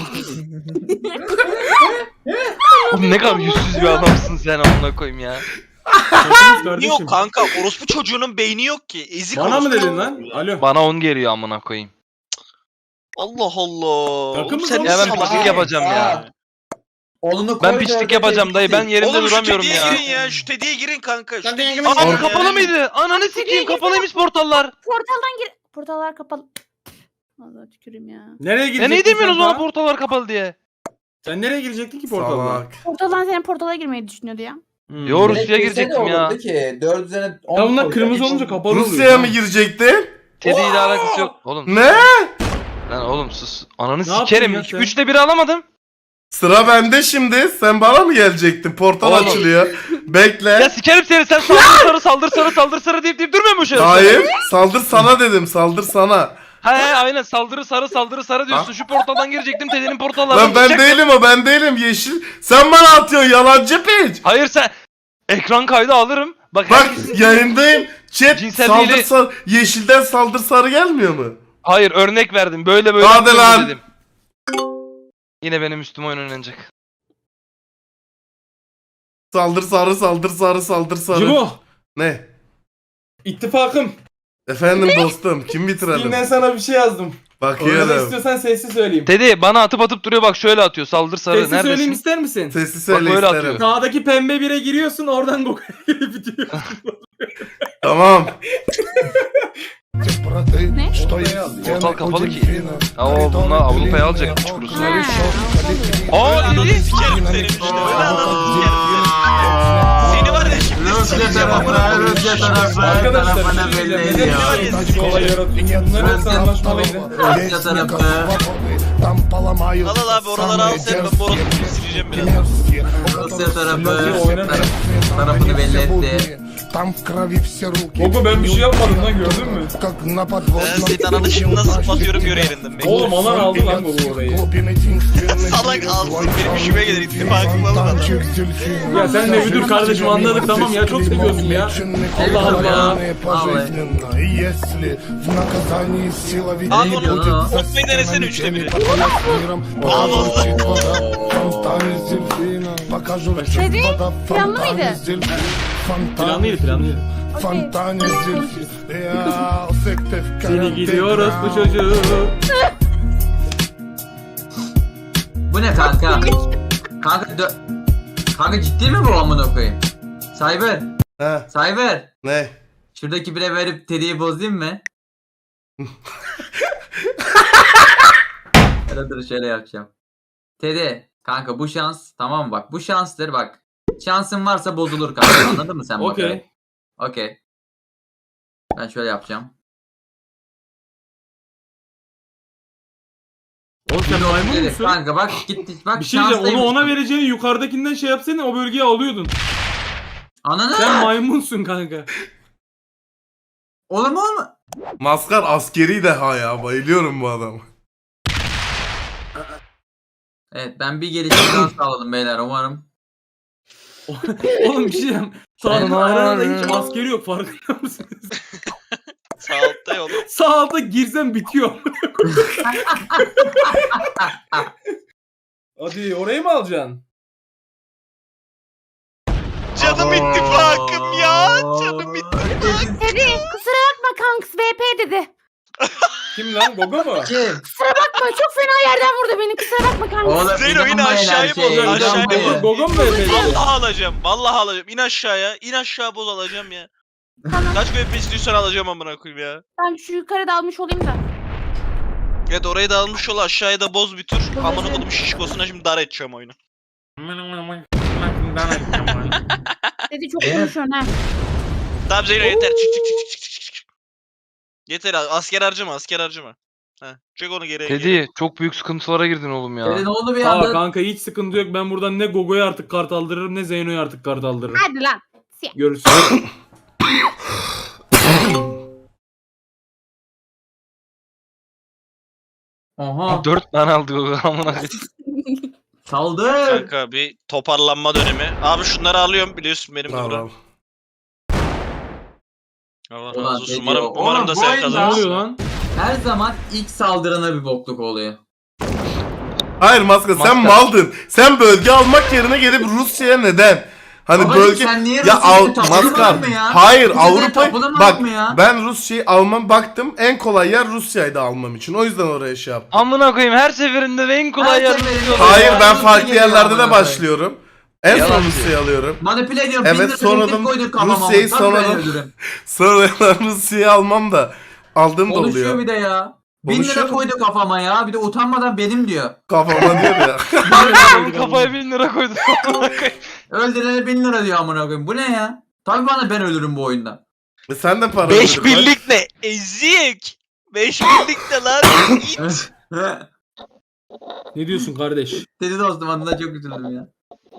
Speaker 5: Oğlum ne kadar yüzsüz bir adamsın sen amına koyayım ya.
Speaker 6: Takımız
Speaker 3: Beyni
Speaker 6: kardeşim.
Speaker 3: yok kanka. Orospu çocuğunun beyni yok ki. Ezik
Speaker 6: Bana mı
Speaker 3: orospu
Speaker 6: dedin lan?
Speaker 3: çocuğu.
Speaker 6: Alo.
Speaker 5: Bana 10 geliyor amına koyayım.
Speaker 3: Allah Allah.
Speaker 6: Takımız
Speaker 3: Oğlum sen
Speaker 6: oğlum.
Speaker 5: Ya ben
Speaker 3: salak
Speaker 5: pislik
Speaker 3: ya.
Speaker 5: yapacağım ya.
Speaker 2: Oğlunu koy.
Speaker 5: Ben pislik yapacağım dayı. Ben yerimde
Speaker 3: Oğlum şu
Speaker 5: duramıyorum
Speaker 3: tediye
Speaker 5: ya.
Speaker 3: girin ya. Şu tediye girin kanka. Şu tediye girin.
Speaker 5: Aa
Speaker 3: ya.
Speaker 5: kapalı mıydı? Ananı sikeyim kapalıymış portallar.
Speaker 4: Portaldan gir. Portallar kapalı. Allah tüküreyim ya.
Speaker 6: Nereye
Speaker 5: Ya
Speaker 6: girecektin
Speaker 5: neyi demiyorsunuz
Speaker 6: sen
Speaker 5: bana
Speaker 6: daha?
Speaker 5: portallar kapalı diye?
Speaker 6: Sen nereye girecektin ki portalda?
Speaker 1: Salak.
Speaker 4: Portaldan senin portala girmeyi düşünüyordu ya.
Speaker 5: Yo Rusya'ya girecektim ya.
Speaker 2: Ki 4 üzerine 10
Speaker 6: Ya bunlar kırmızı olunca kapalı oluyor.
Speaker 1: Rusya'ya mı girecektin?
Speaker 5: Teddy ile alakası yok. Oğlum
Speaker 1: Ne?
Speaker 5: Lan oğlum sus. Ananı
Speaker 6: Ne yaptın
Speaker 5: sikerim.
Speaker 6: ya sen?
Speaker 5: 3'te 1 alamadım.
Speaker 1: Sıra bende şimdi. Sen bana mı gelecektin? Portal
Speaker 5: Oğlum.
Speaker 1: açılıyor. Bekle.
Speaker 5: Ya sikerim seni. Sen saldır sarı deyip durmuyor mu şu an?
Speaker 1: Hayır. Saldır sana dedim. Saldır sana.
Speaker 5: He aynen saldırı sarı diyorsun. Şu portaldan girecektim. Teddy'nin portallarından
Speaker 1: Lan ben
Speaker 5: çıkacaktım.
Speaker 1: değilim o. Ben değilim. Yeşil. Sen bana atıyorsun. Yalancı piç.
Speaker 5: Hayır sen. Ekran kaydı alırım. Bak,
Speaker 1: Bak
Speaker 5: herkesin-
Speaker 1: yayındayım. Chat
Speaker 5: Cinsel
Speaker 1: saldır
Speaker 5: değil-
Speaker 1: sarı. Yeşilden saldır sarı gelmiyor mu?
Speaker 5: Hayır örnek verdim. Böyle
Speaker 1: Hadi
Speaker 5: yapıyorum
Speaker 1: lan.
Speaker 5: dedim. Yine benim üstüme oyun oynanacak.
Speaker 1: Saldır sarı saldır sarı saldır sarı.
Speaker 6: Cibo.
Speaker 1: Ne?
Speaker 7: İttifakım.
Speaker 1: Efendim dostum. Kim bitirelim?
Speaker 7: Steam'den sana bir şey yazdım. Orada
Speaker 1: Bakıyorum.
Speaker 7: istiyorsan sesli söyleyeyim.
Speaker 5: Teddy bana atıp duruyor bak şöyle atıyor. Saldır sarı.
Speaker 6: Sesli söyleyeyim
Speaker 5: Neredesin?
Speaker 6: ister misin?
Speaker 1: Sesi söyle
Speaker 5: böyle
Speaker 1: isterim.
Speaker 5: atıyor.
Speaker 6: Sağdaki pembe bire giriyorsun oradan Goku'ya girip bitiyor.
Speaker 1: Tamam.
Speaker 4: Ne?
Speaker 5: Portal kapalı ki. Aa bunlar Avrupa'ya alacak piç kurusu.
Speaker 4: Ha,
Speaker 3: Aa ananı sikerim senin işte. Öyle ananı sikerim senin. Seni var ya şimdi sikeceğim amına koyayım.
Speaker 7: Arkadaşlar bir şey diyeceğim. Neden siz kolay yaratıyorsunuz? Bunlar hepsi anlaşmalıydı.
Speaker 3: Al al abi oraları al sen ben borosunu sileceğim biraz.
Speaker 8: Rusya tarafı
Speaker 7: Nasıl oynamıyor?
Speaker 8: tarafını belli etti.
Speaker 7: Gogo ben bir şey yapmadım lan gördün mü?
Speaker 3: Ben senin ananı şimdi nasıl zıplatıyorum göre yerinden. Bekle.
Speaker 7: Oğlum alan aldı lan Gogo orayı.
Speaker 3: Salak alsın benim işime gelir ittifakımı alın adam.
Speaker 6: Ya sen de bir dur kardeşim anladık tamam ya çok seviyorsun ya. Allah Allah.
Speaker 3: Abi onu unutmayı denesene 3'te 1'i.
Speaker 4: Teddy planlı mıydı?
Speaker 6: Planlıydı. Seni gidiyoruz bu çocuğu.
Speaker 8: Bu ne kanka? Kanka ciddi mi bu amına koyayım? Cyber,
Speaker 1: Ha,
Speaker 8: Cyber.
Speaker 1: ne?
Speaker 8: Şuradaki bire verip Teddy'yi bozayım mı? Dur şöyle yapacağım. Teddy, kanka bu şans tamam mı bak bu şanstır bak. Şansın varsa bozulur kanka anladın mı sen bak?
Speaker 6: Okey.
Speaker 8: Okey. Ben şöyle yapacağım.
Speaker 6: Oğlum sen maymun
Speaker 8: Teddy,
Speaker 6: musun?
Speaker 8: kanka bak gitti bak
Speaker 6: Bir şey diyeceğim onu
Speaker 8: şanslıymış.
Speaker 6: ona vereceğini yukarıdakinden şey yapsana o bölgeyi alıyordun.
Speaker 8: Ananı.
Speaker 6: Sen maymunsun kanka.
Speaker 8: Olur mu olma?
Speaker 1: Maskar askeri deha ya. Bayılıyorum bu adama.
Speaker 8: Evet ben bir gelişim daha sağladım beyler umarım.
Speaker 6: Oğlum bir şey diyeceğim. Sağda arada hiç askeri yok farkında mısınız?
Speaker 3: Sağ altta yolu.
Speaker 6: Sağ alta girsen bitiyor.
Speaker 7: Hadi orayı mı alacaksın?
Speaker 3: Canım ittifakım ya. Canım ittifakım.
Speaker 4: Teddy kusura bakma kanks VP dedi.
Speaker 7: Kim lan Gogo mu?
Speaker 8: Kim?
Speaker 4: Kusura bakma çok fena yerden vurdu beni kusura bakma kanks.
Speaker 8: Oğlum
Speaker 3: Zeyno yine
Speaker 8: inanmayın
Speaker 3: aşağıya
Speaker 8: her şeye,
Speaker 3: bozuyor, aşağıya
Speaker 8: inanmayın.
Speaker 6: Gogo mu böyle?
Speaker 3: Vallahi alacağım. Vallahi alacağım. İn aşağıya. İn aşağı boz alacağım ya.
Speaker 4: Tamam.
Speaker 3: Kaç VP istiyorsan alacağım amına koyayım ya.
Speaker 4: Ben şu yukarıda almış olayım da.
Speaker 3: Evet orayı da almış ol aşağıya da boz bir tur. Amına koydum şişkosuna şimdi dar edeceğim oyunu.
Speaker 4: Teddy çok konuşuyorsun ha.
Speaker 3: Tamam Zeyno yeter. Çık. Yeter asker harcama asker harcama. Heh. Çek onu geriye.
Speaker 5: Teddy çok büyük sıkıntılara girdin oğlum ya.
Speaker 8: Teddy ne oldu bir
Speaker 6: Aa
Speaker 8: anda?
Speaker 6: kanka hiç sıkıntı yok. Ben buradan ne Gogo'ya artık kart aldırırım ne Zeyno'ya artık kart aldırırım.
Speaker 4: Hadi lan.
Speaker 6: Görüşürüz.
Speaker 8: Oha.
Speaker 5: 4 tane aldı Gogo amına koyayım.
Speaker 8: Saldır.
Speaker 3: Kanka bir toparlanma dönemi. Abi şunları alıyorum biliyorsun benim de
Speaker 1: Al,
Speaker 3: bura.
Speaker 1: al.
Speaker 3: Allah
Speaker 8: Ulan
Speaker 3: razı olsun.
Speaker 8: Teddy,
Speaker 3: Umarım
Speaker 8: oğlum
Speaker 3: da
Speaker 8: bu
Speaker 3: sen
Speaker 8: oyunda-
Speaker 6: Ne
Speaker 3: kazanırsın.
Speaker 6: oluyor lan?
Speaker 8: Her zaman ilk saldırana bir bokluk oluyor.
Speaker 1: Hayır Maskar sen
Speaker 5: Maskar.
Speaker 1: maldın. Sen bölge almak yerine gelip Rusya'ya neden? Hani
Speaker 8: Babacım,
Speaker 1: bölge
Speaker 8: sen niye
Speaker 1: ya
Speaker 8: Rusya'yı
Speaker 1: al
Speaker 8: tapınamadın
Speaker 1: Maskar.
Speaker 8: mı ya?
Speaker 1: Hayır
Speaker 8: Rusya'yı
Speaker 1: Avrupa
Speaker 8: tapınamadın
Speaker 1: bak
Speaker 8: mı ya?
Speaker 1: ben Rusya'yı almam baktım en kolay yer Rusya'ydı almam için. O yüzden oraya şey yaptım.
Speaker 5: Amına koyayım her seferinde de en kolay
Speaker 8: Her
Speaker 5: yer.
Speaker 8: seferinde-
Speaker 1: Hayır ben
Speaker 8: Rusya
Speaker 1: farklı
Speaker 8: geliyor
Speaker 1: yerlerde
Speaker 8: amına
Speaker 1: de başlıyorum. En son
Speaker 5: Yalan
Speaker 1: Rusya'yı alıyorum.
Speaker 8: Manipüle ediyorum.
Speaker 1: Evet,
Speaker 8: bin lira
Speaker 1: sonradan
Speaker 8: teklif koyduk kafama.
Speaker 1: Rusya'yı
Speaker 8: Tabii ben
Speaker 1: sonradan-
Speaker 8: öldürürüm.
Speaker 1: Sonra Rusya'yı almam da aldığım da
Speaker 8: Konuşuyor
Speaker 1: oluyor.
Speaker 8: bir de ya. 1000 lira
Speaker 1: Konuşuyorum.
Speaker 8: koydu kafama ya. Bir de utanmadan benim diyor.
Speaker 1: Kafama diyor ya.
Speaker 5: Adamın kafaya 1000 lira koydu. Amına koyayım.
Speaker 8: Öldürene 1000 lira diyor amına koyayım. Bu ne ya? Tabii bana ben ölürüm bu oyunda.
Speaker 1: Sen de para
Speaker 3: 5
Speaker 1: ödedin, bak.
Speaker 3: birlik ne? Ezik. 5 birlik ne lan? İt.
Speaker 6: Ne diyorsun kardeş?
Speaker 8: Teddy dostum adına çok üzüldüm ya.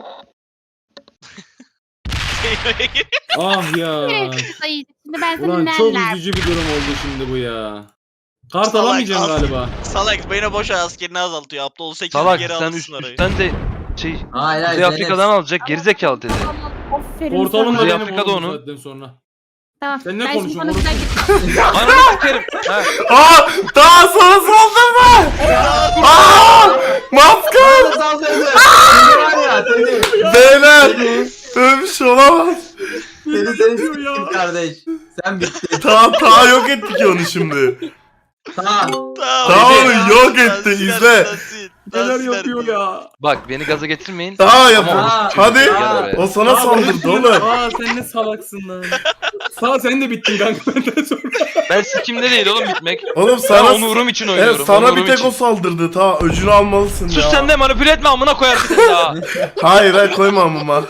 Speaker 6: Ah ya.
Speaker 4: Sayın, şimdi ben seni
Speaker 6: Ulan çok
Speaker 4: nerler?
Speaker 6: üzücü bir durum oldu şimdi bu ya. Kart
Speaker 3: Salak,
Speaker 6: alamayacağım
Speaker 3: az-
Speaker 6: galiba.
Speaker 3: Salak beni boş ver, askerini azaltıyor. Aptal 8
Speaker 5: Salak
Speaker 3: geri
Speaker 5: sen
Speaker 3: alırsın orayı.
Speaker 5: üstten de şey
Speaker 8: Hayır hayır.
Speaker 5: Kuzey Afrika'dan alacak gerizekalı dedi.
Speaker 4: Aferin
Speaker 6: Portalım
Speaker 4: sana.
Speaker 6: da
Speaker 5: Kuzey
Speaker 6: benim
Speaker 5: Afrika'da
Speaker 6: oğlum
Speaker 5: onu.
Speaker 6: saatten sonra.
Speaker 4: Tamam.
Speaker 6: Sen ne
Speaker 4: ben şimdi
Speaker 6: konuşuyorsun
Speaker 4: sana güzel git.
Speaker 5: Ananı sikerim. Ha.
Speaker 1: Aa! Daha sana saldırma! Aa! Maskar!
Speaker 2: Var ya Teddy.
Speaker 1: Beyler! Öyle bir şey olamaz.
Speaker 2: Teddy seni s**tim kardeş. Sen bittin.
Speaker 1: Ta yok ettik onu şimdi.
Speaker 2: Tamam.
Speaker 1: Tamam onu yok etti, izle.
Speaker 6: Neler yapıyor ya?
Speaker 5: Bak beni gaza getirmeyin.
Speaker 1: Daha yapın.
Speaker 2: Aa,
Speaker 1: Hadi.
Speaker 2: aa.
Speaker 1: O sana saldırdı oğlum.
Speaker 6: Aa sen ne salaksın lan. Sağ sen de bittin kanka benden sonra.
Speaker 5: Ben sikimde değil oğlum bitmek.
Speaker 1: Oğlum
Speaker 5: Ben
Speaker 1: sana
Speaker 5: onurum için oynuyorum.
Speaker 1: evet, sana
Speaker 5: onurum
Speaker 1: bir tek
Speaker 5: için.
Speaker 1: o saldırdı. Ta öcünü almalısın
Speaker 5: Sus
Speaker 1: ya.
Speaker 5: sen de manipüle etme amına koyar bir tane daha.
Speaker 1: Hayır hayır koyma amıma.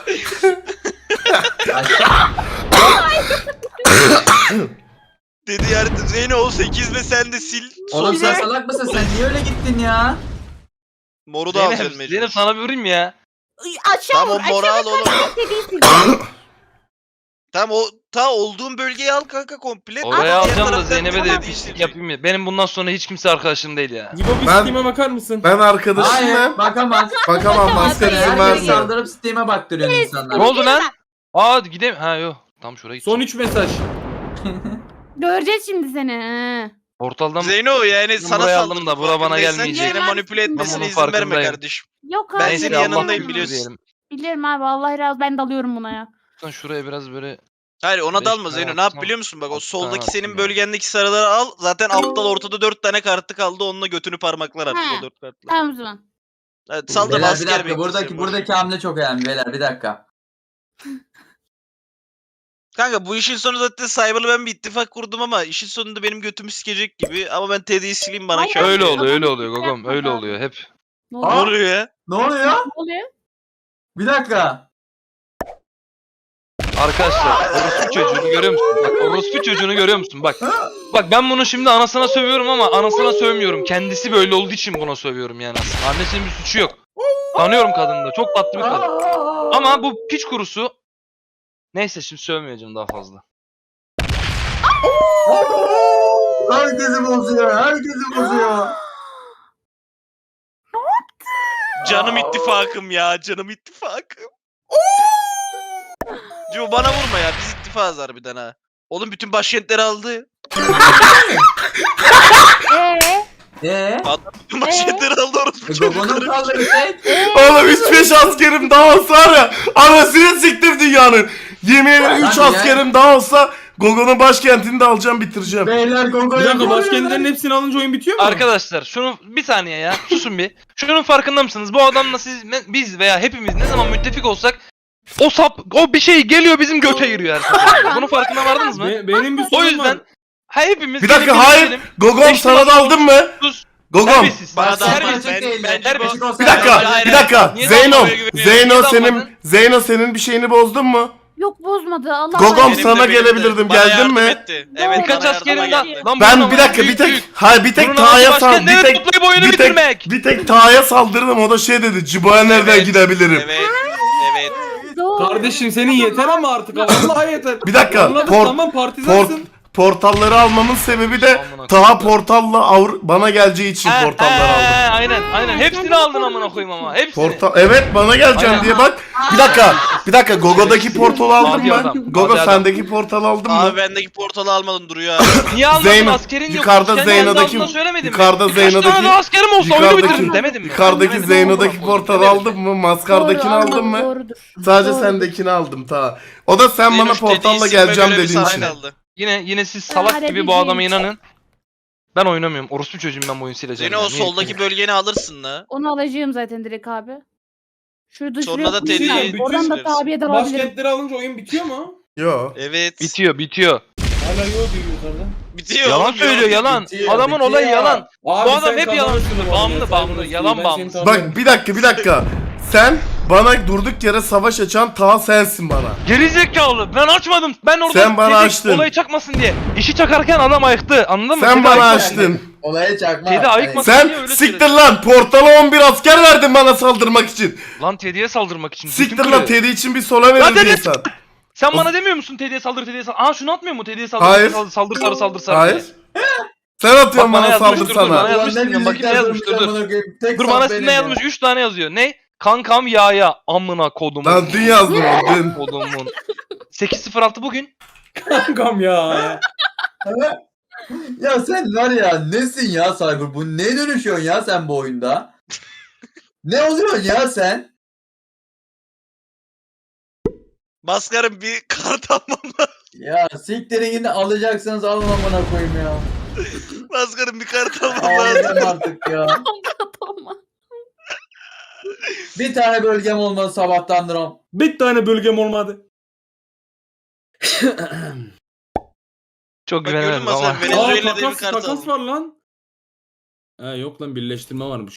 Speaker 3: Dedi yani Zeyno o 8 ve sen de sil.
Speaker 2: Oğlum sen salak mısın? Sen niye öyle gittin ya?
Speaker 3: Moru da alacaksın
Speaker 5: Zeynep,
Speaker 3: mecbur.
Speaker 5: Zeynep sana bir vurayım ya.
Speaker 4: Aşağı
Speaker 3: Tamam
Speaker 4: vur.
Speaker 3: o moral
Speaker 4: Aşağı
Speaker 3: oğlum.
Speaker 4: vur.
Speaker 3: Tamam o olduğun bölgeyi al kanka komple.
Speaker 5: Oraya
Speaker 3: Diğer
Speaker 5: alacağım da
Speaker 3: taraftan
Speaker 5: Zeynep'e de
Speaker 3: tamam,
Speaker 5: pislik yapayım ya. Benim bundan sonra hiç kimse arkadaşım değil ya.
Speaker 6: Gibo bir
Speaker 1: Ben-
Speaker 6: Steam'e bakar mısın?
Speaker 1: Ben arkadaşım
Speaker 2: Hayır
Speaker 1: mı?
Speaker 2: bakamaz.
Speaker 1: Bakamam maskar izin
Speaker 2: Herkes
Speaker 1: vermiyor.
Speaker 2: saldırıp Steam'e baktırıyor
Speaker 5: Ne
Speaker 2: insanlar.
Speaker 5: oldu lan? Aa gideyim. Ha yok. Tam şuraya gideceğim.
Speaker 6: Son 3 mesaj.
Speaker 4: Göreceğiz şimdi seni. he.
Speaker 5: Portaldan
Speaker 3: Zeyno yani
Speaker 5: Ben
Speaker 3: sana
Speaker 5: buraya
Speaker 3: saldırdı.
Speaker 5: aldım da bura bana
Speaker 3: farkındaysan
Speaker 5: gelmeyecek.
Speaker 3: Seni manipüle
Speaker 5: Ben
Speaker 3: etmesine
Speaker 5: bunun
Speaker 3: izin verme
Speaker 5: farkındayım.
Speaker 3: kardeşim.
Speaker 4: Yok abi.
Speaker 3: Ben
Speaker 5: Neyse,
Speaker 3: senin
Speaker 5: Allah
Speaker 3: yanındayım
Speaker 5: korusun
Speaker 3: biliyorsun.
Speaker 5: diyelim.
Speaker 4: Bilirim abi. Vallahi razı ben dalıyorum buna ya.
Speaker 5: Lütfen şuraya biraz böyle
Speaker 3: Hayır ona
Speaker 5: Beş
Speaker 3: dalma
Speaker 5: tane
Speaker 3: Zeyno. Ne yap
Speaker 5: atsam,
Speaker 3: biliyor musun? Bak o
Speaker 5: altı
Speaker 3: soldaki
Speaker 5: tane
Speaker 3: senin
Speaker 5: attım
Speaker 3: bölgendeki sarıları al. Zaten aptal ortada 4 tane kartı kaldı. Onunla götünü parmaklar artık
Speaker 4: He.
Speaker 3: o 4 kartla.
Speaker 4: Tamam o zaman.
Speaker 3: Evet, sal da
Speaker 2: Beyler bir
Speaker 3: asker
Speaker 2: dakika
Speaker 3: beklesin.
Speaker 2: buradaki hamle çok önemli beyler bir dakika.
Speaker 3: Kanka bu işin sonu zaten Cyber'la ben bir ittifak kurdum ama işin sonunda benim götümü sikecek gibi. Ama ben Teddy'yi sileyim bana
Speaker 4: Hayır,
Speaker 3: kâr.
Speaker 5: öyle oluyor, öyle
Speaker 4: Adam
Speaker 5: oluyor
Speaker 4: hiç
Speaker 5: Gogom. Öyle
Speaker 4: yapmadı.
Speaker 5: oluyor hep.
Speaker 4: Ne
Speaker 3: Ne
Speaker 4: oluyor?
Speaker 3: oluyor ya?
Speaker 2: Ne oluyor?
Speaker 4: Ne oluyor?
Speaker 2: Bir dakika.
Speaker 5: Arkadaşlar orospu çocuğunu görüyor musun? Bak orospu çocuğunu görüyor musun? Bak. Bak ben bunu şimdi anasına sövüyorum ama anasına sövmüyorum. Kendisi böyle olduğu için buna sövüyorum yani aslında. Annesinin bir suçu yok. Tanıyorum kadını da. Çok tatlı bir kadın. Ama bu piç kurusu. Neyse şimdi sövmeyeceğim daha fazla.
Speaker 2: Herkesi bozuyor. Herkesi bozuyor.
Speaker 3: Canım ittifakım ya. Canım ittifakım. Cuma bana vurma ya. Biz ittifakız harbiden ha. Oğlum bütün başkentleri aldı. Bütün başkentleri aldı orospu
Speaker 2: Gogo'nun
Speaker 3: çocukları.
Speaker 2: kaldı bir tek.
Speaker 1: Oğlum 3-5 askerim daha olsa var ya anasını siktim dünyanın. Yemin ederim 3
Speaker 2: Hadi ya.
Speaker 1: askerim daha olsa Gogo'nun başkentini de alacağım bitireceğim.
Speaker 2: Beyler
Speaker 6: Bir
Speaker 2: Gogo'yu
Speaker 6: dakika başkentlerin hepsini alınca oyun bitiyor mu?
Speaker 5: Arkadaşlar şunu bir saniye ya susun bir. Şunun farkında mısınız? Bu adamla siz biz veya hepimiz ne zaman müttefik olsak o sap o bir şey geliyor bizim göte giriyor her seferinde. Bunun farkına vardınız mı?
Speaker 6: Benim bir
Speaker 5: O
Speaker 6: sorun
Speaker 5: yüzden
Speaker 6: var.
Speaker 5: ha hepimiz
Speaker 1: Bir dakika
Speaker 5: gelin
Speaker 1: hayır.
Speaker 5: gidelim.
Speaker 1: Gogom
Speaker 5: Beş
Speaker 1: sana da
Speaker 5: numara
Speaker 1: aldın mı?
Speaker 5: sus.
Speaker 1: Gogom.
Speaker 5: Terbiyesiz.
Speaker 3: Bana da
Speaker 5: Terbiyesiz.
Speaker 3: bence bu.
Speaker 1: Bir dakika,
Speaker 3: Hayır,
Speaker 1: bir dakika.
Speaker 5: Niye
Speaker 1: Zeyno,
Speaker 5: dalmaya güveniyorsun?
Speaker 1: Zeyno
Speaker 5: Niye
Speaker 1: senin,
Speaker 5: dalmadın?
Speaker 1: Zeyno senin bir şeyini bozdun mu?
Speaker 4: Yok bozmadı. Allah
Speaker 1: Gogom
Speaker 4: Allah.
Speaker 3: Benim de,
Speaker 1: sana
Speaker 3: benim de.
Speaker 1: gelebilirdim,
Speaker 3: Bana
Speaker 1: geldin
Speaker 3: yardım
Speaker 1: mi?
Speaker 3: etti. Evet,
Speaker 5: Birkaç
Speaker 3: bana
Speaker 5: askerim
Speaker 3: yardıma
Speaker 5: daha.
Speaker 3: geldi.
Speaker 5: Lan bunun
Speaker 1: Ben
Speaker 5: amacı
Speaker 1: bir dakika
Speaker 5: büyük,
Speaker 1: bir
Speaker 5: büyük.
Speaker 1: tek hayır bir tek
Speaker 5: Bunun amacı
Speaker 1: Taha'ya sal
Speaker 5: başkentleri
Speaker 1: bir tek
Speaker 5: toplayıp oyunu
Speaker 1: bir tek
Speaker 5: bitirmek.
Speaker 1: bir tek Taha'ya saldırdım o da şey dedi Cibo'ya nereden
Speaker 3: Evet,
Speaker 1: gidebilirim?
Speaker 3: Evet. Evet.
Speaker 4: Doğru.
Speaker 6: Kardeşim senin yeter ama artık vallahi yeter.
Speaker 1: Bir dakika
Speaker 6: Anladık tamam partizansın.
Speaker 1: portalları almamın sebebi de
Speaker 5: Amına
Speaker 1: Taha portalla bana geleceği için portalları aldım.
Speaker 5: Aynen. Hepsini aldın amına koyayım ama. Hepsini.
Speaker 1: Evet bana geleceğim
Speaker 5: Aynen.
Speaker 1: diye bak. Bir dakika Gogo'daki portalı aldın
Speaker 5: Mavi
Speaker 1: mı?
Speaker 5: adam,
Speaker 1: Gogo
Speaker 5: mavi adam.
Speaker 1: sendeki portalı aldın mı?
Speaker 3: Abi bendeki portalı almadım duruyor abi.
Speaker 5: Niye almadın
Speaker 1: Zeyno-
Speaker 5: askerin yok.
Speaker 1: yukarıda
Speaker 5: Sen
Speaker 1: Zeyno'daki-
Speaker 5: kendi ağzından söylemedin mi?
Speaker 1: yukarıda
Speaker 5: Birkaç
Speaker 1: Zeyno'daki-
Speaker 5: tane daha askerim olsa oyunu
Speaker 1: yukarıdaki-
Speaker 5: bitiririm demedim mi?
Speaker 1: Yukarıdaki
Speaker 5: Demedim.
Speaker 1: Zeyno'daki
Speaker 5: Demedim.
Speaker 1: portalı
Speaker 5: Demedim.
Speaker 1: aldın mı? Maskardakini
Speaker 4: Doğru,
Speaker 1: aldın
Speaker 4: almadım,
Speaker 1: mı?
Speaker 4: Doğrudur.
Speaker 1: Sadece
Speaker 4: Doğrudur.
Speaker 1: sendekini aldım ta. O da sen bana
Speaker 3: Zeynoş dediği
Speaker 1: portalla
Speaker 3: isimle
Speaker 1: geleceğim
Speaker 3: böyle bir
Speaker 1: dediğin
Speaker 3: sahne
Speaker 1: için.
Speaker 3: kaldı.
Speaker 5: Yine siz salak
Speaker 4: Hadi
Speaker 5: gibi bu
Speaker 4: bizim.
Speaker 5: adama inanın. Ben oynamıyorum. Orospu çocuğum ben bu oyunu sileceğim.
Speaker 3: Zeyno o
Speaker 5: ya. Niye
Speaker 3: soldaki
Speaker 5: sileyim?
Speaker 3: bölgeni alırsın la.
Speaker 4: Onu alacağım zaten direkt abi. Şurada
Speaker 3: Sonra
Speaker 4: şuraya
Speaker 3: da
Speaker 4: koyayım
Speaker 3: Teddy'yi
Speaker 4: ben. Oradan da
Speaker 3: bitiririz.
Speaker 4: tabiye de alabilirim.
Speaker 6: Başkentleri alınca oyun bitiyor mu?
Speaker 1: Yo.
Speaker 3: Evet.
Speaker 5: Bitiyor.
Speaker 6: Hala yok diyor yukarıda.
Speaker 3: Bitiyor.
Speaker 5: Yalan
Speaker 3: oğlum,
Speaker 5: söylüyor yalan.
Speaker 2: bitiyor,
Speaker 5: Adamın
Speaker 2: bitiyor.
Speaker 5: olayı yalan.
Speaker 6: Abi
Speaker 5: Bu adam
Speaker 6: sen
Speaker 5: hep yalan
Speaker 6: kazanırsın
Speaker 5: söylüyor.
Speaker 6: bu arada,
Speaker 5: Bağımlı,
Speaker 6: sen
Speaker 5: bağımlı,
Speaker 6: burası
Speaker 5: yalan
Speaker 6: değil, ben
Speaker 5: bağımlısı.
Speaker 6: seni
Speaker 1: Bak bir dakika. Sen Bana durduk yere savaş açan ta sensin bana.
Speaker 5: Gerizekalı ben açmadım. Ben orada
Speaker 1: Sen bana
Speaker 5: Teddy
Speaker 1: açtın.
Speaker 5: olayı çakmasın diye. İşi çakarken adam ayıktı. Anladın mı?
Speaker 1: Sen
Speaker 5: Teddy
Speaker 1: bana
Speaker 5: ayıktı.
Speaker 1: açtın.
Speaker 2: Olaya çakma.
Speaker 5: Teddy ayıkmasın
Speaker 1: Sen
Speaker 5: diye öyle
Speaker 1: siktir
Speaker 5: söyledi.
Speaker 1: lan. Portala 11 asker verdin bana saldırmak için.
Speaker 5: Lan Teddy'ye saldırmak için.
Speaker 1: Siktir
Speaker 5: Bütün
Speaker 1: lan,
Speaker 5: kulü-
Speaker 1: Teddy için bir sola
Speaker 5: Lan
Speaker 1: verildi
Speaker 5: Teddy-
Speaker 1: insan.
Speaker 5: Sen bana demiyor musun Teddy'ye saldır Teddy'ye saldır. Aa şunu atmıyor mu Teddy'ye saldır.
Speaker 1: Hayır.
Speaker 5: Saldır sarı saldır sarı.
Speaker 1: Hayır.
Speaker 5: diye.
Speaker 1: Sen atıyorsun
Speaker 5: Bak, bana
Speaker 1: bana
Speaker 5: yazmış,
Speaker 1: saldır
Speaker 5: dur, dur, bana
Speaker 1: sana.
Speaker 5: yazmış, bakayım ne yazmış, dur. Dur bana ne yazmış? 3 tane yazıyor. Ne? Kankam yağya amına kodumun.
Speaker 1: Lan dün yazdım onu dün.
Speaker 5: Kodumun. 8.06 bugün.
Speaker 6: Kankam ya.
Speaker 2: Ya sen var ya nesin ya Cyber? Bu ne dönüşüyorsun ya sen bu oyunda? Ne oluyorsun ya sen?
Speaker 3: Maskarım bir kart almam lazım.
Speaker 2: Ya siktirin yine alacaksınız alın amına koyayım ya.
Speaker 3: Maskarım bir kart almam lazım.
Speaker 2: Ağlayacağım artık ya.
Speaker 4: Tamam.
Speaker 2: Bir tane bölgem olmadı sabahtandır o.
Speaker 6: Bir tane bölgem olmadı.
Speaker 5: Çok
Speaker 3: Bak gördün
Speaker 5: güvenemem
Speaker 3: mü
Speaker 5: ama.
Speaker 3: sen Venezuela'da bir
Speaker 6: takas,
Speaker 3: kart
Speaker 6: takas
Speaker 3: aldım.
Speaker 6: var lan. Ha yok lan birleştirme varmış.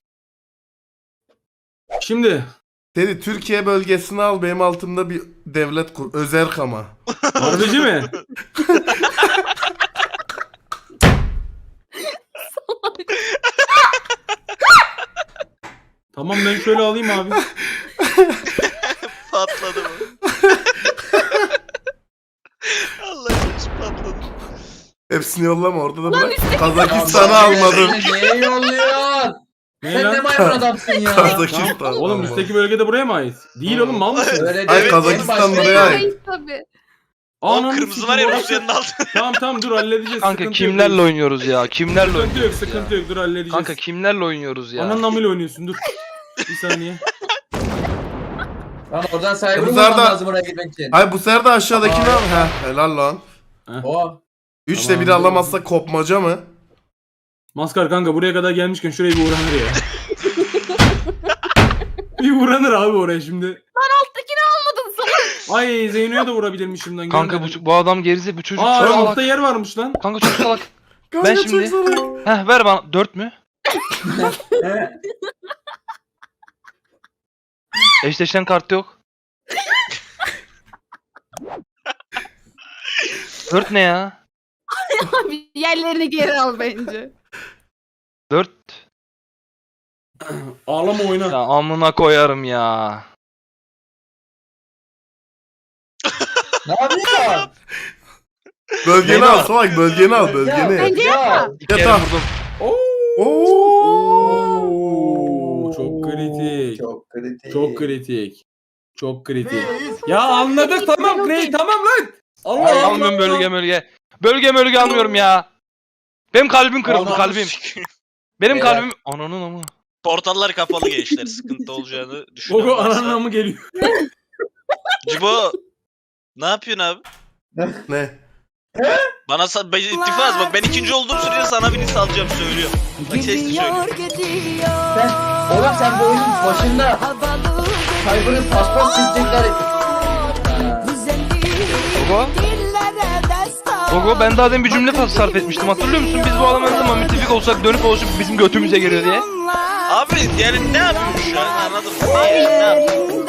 Speaker 6: Şimdi
Speaker 1: Teddy Türkiye bölgesini al, benim altımda bir devlet kur. Özerk ama.
Speaker 6: harbici mi? Tamam ben şöyle alayım abi.
Speaker 3: Patladı mı? Allah aşkına patladı.
Speaker 1: Hepsini yollama, orada da bırak.
Speaker 2: Ya
Speaker 1: Kazakistan'ı
Speaker 2: bak,
Speaker 1: almadım.
Speaker 2: sen Neye yolluyorsun?
Speaker 6: Ne
Speaker 2: Sen ne
Speaker 6: lan?
Speaker 2: maymun adamsın ya.
Speaker 1: Kazakistan.
Speaker 6: Oğlum
Speaker 1: almadım.
Speaker 6: üstteki bölgede buraya mı ait? Değil oğlum mal mısın?
Speaker 2: Öyle
Speaker 1: Ay,
Speaker 2: değil,
Speaker 1: Kazakistan
Speaker 2: en başta-
Speaker 1: buraya ait.
Speaker 4: Hayır tabii.
Speaker 3: O
Speaker 6: Ananı
Speaker 3: kırmızı
Speaker 6: sikeyim,
Speaker 3: var ya
Speaker 6: orası-
Speaker 3: Rusya'nın altında.
Speaker 6: Tamam dur halledeceğiz.
Speaker 5: Kanka
Speaker 6: sıkıntı
Speaker 5: kimlerle
Speaker 6: yok.
Speaker 5: oynuyoruz ya? Kimlerle
Speaker 6: Sıkıntı yok
Speaker 5: oynuyoruz
Speaker 6: sıkıntı
Speaker 5: ya?
Speaker 6: yok dur halledeceğiz.
Speaker 5: Kanka kimlerle oynuyoruz ya?
Speaker 6: Ananın amıyla oynuyorsun dur. Bir saniye.
Speaker 2: Lan oradan sahibi
Speaker 1: Bu
Speaker 2: bulmam
Speaker 1: zarda-
Speaker 2: lazım oraya gitmek için.
Speaker 1: Ay bu sefer de aşağıdakini al. Heh, helal lan.
Speaker 2: O.
Speaker 1: 3'te
Speaker 6: Tamam.
Speaker 1: biri alamazsa kopmaca mı?
Speaker 6: Maskar kanka buraya kadar gelmişken şurayı bir uğranır ya. Bir uğranır abi oraya şimdi.
Speaker 4: Alttakini almadın sana.
Speaker 6: Ay Zeyno'ya da vurabilirmişim lan.
Speaker 5: Kanka
Speaker 6: görmedim.
Speaker 5: bu adam gerize bu çocuk
Speaker 6: Aa
Speaker 5: çok salak.
Speaker 6: altta yer varmış lan.
Speaker 5: Kanka çok salak.
Speaker 1: Kanka
Speaker 5: Ben
Speaker 1: çok
Speaker 5: şimdi-
Speaker 1: salak.
Speaker 5: Heh ver bana 4 mü? Eşleşen kart yok. 4 ne ya?
Speaker 4: Abi yerlerini geri al bence.
Speaker 5: 4.
Speaker 6: Ağlama oyna.
Speaker 5: Ya amına koyarım ya.
Speaker 2: Ne yapıyorsun?
Speaker 1: Bölgeni
Speaker 5: Beni
Speaker 1: al
Speaker 5: al.
Speaker 1: salak, bölgeni al, bölgeni.
Speaker 4: Bence
Speaker 2: Ya.
Speaker 5: İki kere
Speaker 1: Yatağa.
Speaker 5: vurdum.
Speaker 1: Oo.
Speaker 6: Çok kritik.
Speaker 2: Çok kritik.
Speaker 6: Çok kritik. Çok kritik. Ya anladık tamam Clay tamam lan. Allah
Speaker 2: Ay,
Speaker 6: Allah.
Speaker 5: Almıyorum bölge. Bölge almıyorum ya. Benim kalbim kırıldı
Speaker 3: Ananı
Speaker 5: kalbim.
Speaker 3: sikeyim.
Speaker 5: Benim
Speaker 2: Beyler.
Speaker 5: kalbim ananın amı.
Speaker 3: Portallar kapalı gençler. Sıkıntı olacağını düşünüyorum.
Speaker 6: Gogo ananın amı geliyor.
Speaker 3: Cibo. Ne yapıyorsun abi?
Speaker 1: Ne?
Speaker 3: Bana ittifaz bak ben ikinci olduğum sürece sana birini salacağım söylüyorum. Bak sesli söylüyorum.
Speaker 2: Sen, oğlum sen bu oyunun başında Cyber'ın paspas çizecekler.
Speaker 5: Gogo ben daha demin bir cümle sarf etmiştim hatırlıyor musun? Biz bu adamın ne zaman müttefik olsak dönüp dolaşıp bizim götümüze geliyor diye.
Speaker 3: Abi yani ne yapıyorsun şu an anladın mı? Ne yapıyorsun?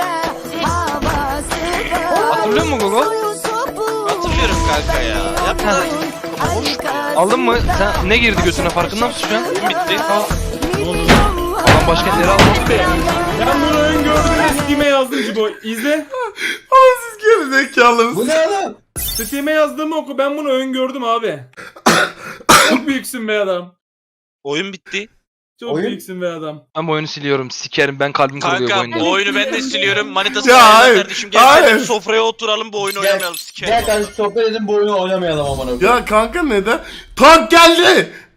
Speaker 5: Hatırlıyor musun Gogo?
Speaker 3: Hatırlıyorum kanka ya. Yapma.
Speaker 5: Aldın mı? Sen ne girdi götüne farkında mısın şu an?
Speaker 3: Bitti.
Speaker 5: Adam başkentleri almadı ya.
Speaker 6: Ben bunu öngördüm Steam'e yazdım Cibo. İzle.
Speaker 1: Ama siz geri zekalısınız.
Speaker 2: Bu ne oğlum?
Speaker 6: Steam'e yazdığımı oku ben bunu öngördüm abi. Çok büyüksün be adam.
Speaker 3: Oyun bitti.
Speaker 6: Çok
Speaker 2: Oyun?
Speaker 6: büyüksün be adam.
Speaker 5: Ben bu oyunu siliyorum. Sikerim ben kalbim kırılıyor bu
Speaker 3: Kanka
Speaker 5: oyunda.
Speaker 3: bu oyunu ben de siliyorum. Manitası
Speaker 1: Ya
Speaker 3: ayarla
Speaker 1: hayır,
Speaker 3: kardeşim. Gel
Speaker 1: hayır.
Speaker 3: kardeşim sofraya oturalım bu oyunu
Speaker 2: Gel,
Speaker 3: oynamayalım.
Speaker 2: Gel
Speaker 3: Sikerim.
Speaker 2: kardeşim sohbet edin bu oyunu oynamayalım aman okuyayım.
Speaker 1: Ya kanka neden? Tank geldi.